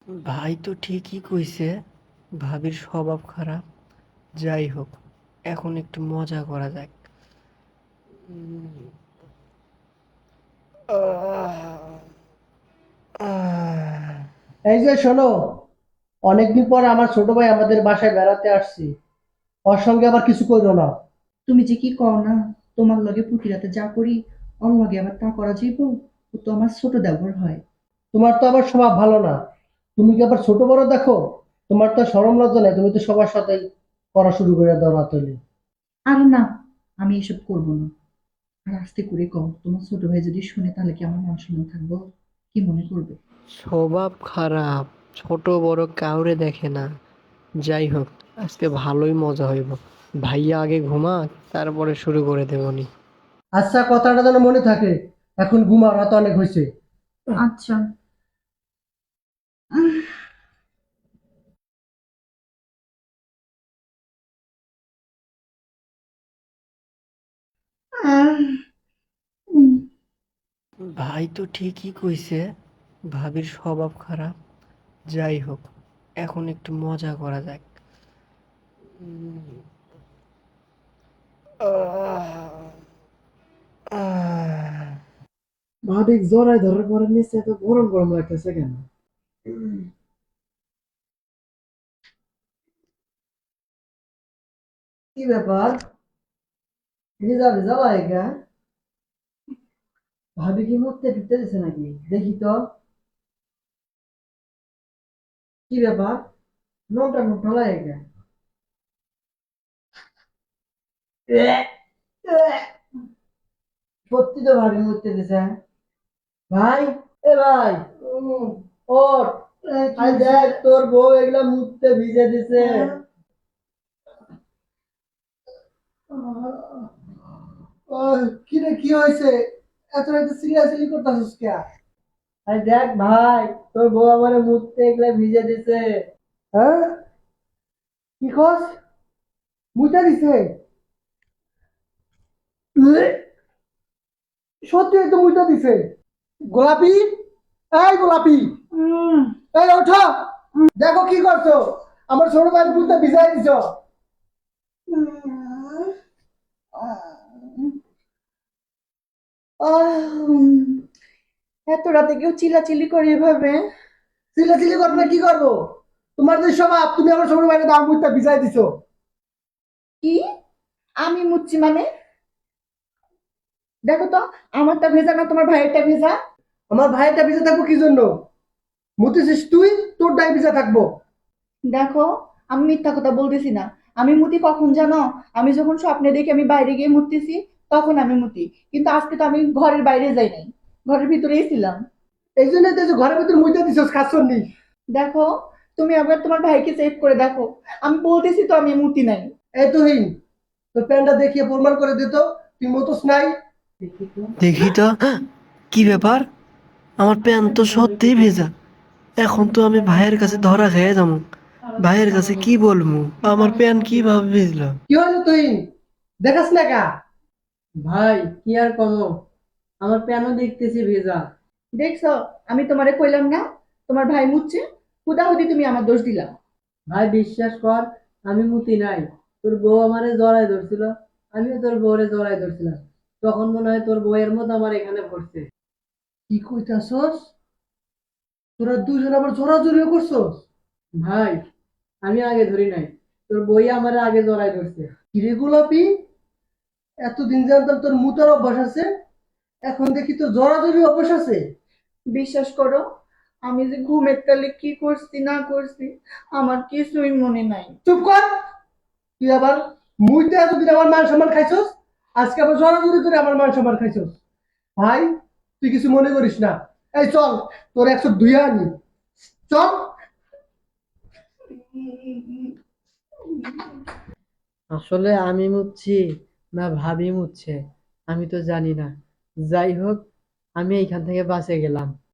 ভাই তো ঠিকই কইছে, ভাবির স্বভাব খারাপ। যাই হোক, এখন একটু মজা করা যাক। এই যে শোনো, অনেকদিন পর আমার ছোট ভাই আমাদের বাসায় বেড়াতে আসছি। ওর সঙ্গে আবার কিছু করো না। তুমি যে কি কও না, তোমার লগে প্রতি রাতে যা করি ওর লগে আবার তা করা যাইব। ও তো আমার ছোট দেবর হয়। তোমার তো আবার স্বভাব ভালো না। তুমি কি আবার ছোট বড় দেখো? তোমার তো শরম লজ্জা নাই, তুমি তো সবার সাথে করা শুরু করে দাও রাতলে। আরে না, আমি এসব করব না। আর আস্তে করে কও, তোমার ছোট ভাই যদি শুনে তাহলে কি আমার মান সম্মান থাকবো? কি মনে করবে? স্বভাব খারাপ, ছোট বড় কাউরে দেখে না। যাই হোক, আজকে ভালোই মজা হইব। ভাইয়া আগে ঘুমাক, তারপরে শুরু করে দেবনি। আচ্ছা, কথাটা যেন মনে থাকে। এখন ঘুমাও, রাত অনেক হয়েছে। আচ্ছা। ভাই তো ঠিকই কইছে, ভাবির স্বভাব খারাপ। যাই হোক, এখন একটু মজা করা যাক। ভাবিক জড়াই ধরার পরে নিচে এত গরম গরম লাগতেছে কেন? কি ব্যাপার? ভিজা ভিজা লাগে। ভাবি কি মুখতে ঢুকতে দিছে নাকি? দেখি তো। কি ব্যাপার? নোংটা নোংটা লাগে। সত্যি তো ভাবি মুখতে দিছে। ভাই, এ ভাই, ওঠ। আই দেখ তোর বউ এগুলা মুখতে ভিজে দিছে। কি রে, কি হয়েছে? এত রাতে সিরিয়াসলি করতেছিস কে? আরে দেখ ভাই, তোর বউ আমার মুখতে এগুলা ভিজে দিছে। হ্যাঁ, কি কস? মুইতা দিছে? এ, সত্যি তো মুইতা দিছে। গোলাপি, এই গোলাপি, এই ওঠো। দেখো কি করছো, আমার ছোট ভাইয়ের মুখটা ভিজাই দিছো। এত রাতে কেউ চিল্লাচিল্লি করে এভাবে? চিল্লাচিল্লি করবো না, কি করবো? তোমার যে স্বভাব, তুমি আমার ছোট ভাইয়ের দাম মুখটা ভিজাই দিছো। কি? আমি মুচ্ছি মানে? দেখো তো, আমারটা ভেজা না তোমার ভাইয়েরটা ভেজা? আমার ভাইটা ভিজে থাকবো কি জন্য? মুতেছিস তুই, তোর ডাই ভিজা থাকবো। দেখো, আমি মিথ্যা কথা বলতেছি না। আমি মুতি কখন জানো? আমি যখন স্বপ্নে দেখি আমি বাইরে গিয়ে মুততেছি, তখন আমি মুতি। কিন্তু আজকে তো আমি ঘরের বাইরে যাই নাই, ঘরের ভিতরেই ছিলাম। এই জন্যই তো এই যে ঘরের ভিতরে মুইতে দিছস খাচ্ছনি। দেখো, তুমি আবার তোমার ভাইকে চেক করে দেখো। আমি বলতেছি তো আমি মুতি নাই। এই তুহিন, তোর প্যান্টটা দেখিয়ে প্রমাণ করে দিত তুই মতোস নাই। দেখি তো। দেখি তো, কি ব্যাপার? আমার প্যান্ট তো সত্যিই ভেজা। এখন তো আমি ভাইয়ের কাছে ধরা খেয়ে যাবো। ভাইয়ের কাছে কি বলবো, আমার প্যান্ট কিভাবে ভিজলো? কি হলো তুহিন, দেখাস না কা? ভাই, কি আর কমো, আমার প্যানও দেখতেছি ভেজা। দেখছো, আমি তোমারে কইলাম না তোমার ভাই মুতছে? হুদাহুদি তুমি আমার দোষ দিলা। ভাই বিশ্বাস কর, আমি মুতি নাই। তোর বউ আমারে জড়াই ধরছিল, আমিও তোর বউরে জড়াই ধরছিলাম। তখন মনে হয় তোর বউয়ের মতো আমার এখানে পড়ছে। কি কইতাছস? তোরা দুজন আবার জোরাজুরিও করছস? ভাই, আমি আগে ধরি নাই, তোর বই আমার আগে জড়াই ধরছে। কিরে গোলাপি, এতদিন জানতাম তোর মুতার অভ্যাস আছে, এখন দেখি তো জড়াজড়ি অভ্যাস আছে। বিশ্বাস করো, আমি যে ঘুমের তালে কি করছি না করছি আমার কিছুই মনে নাই। চুপ কর। তুই আবার মুইতে এতদিন আমার মান সম্মান খাইছস, আজকে আবার জড়াজড়ি করে আমার মান সম্মান খাইছস। ভাই, তুই কিছু মনে করিস না। এই চল, তোর 102 আনি। চল। আসলে আমি মুচ্ছি না ভাবি মুচ্ছে, আমি তো জানি না। যাই হোক, আমি এইখান থেকে বাঁচে গেলাম।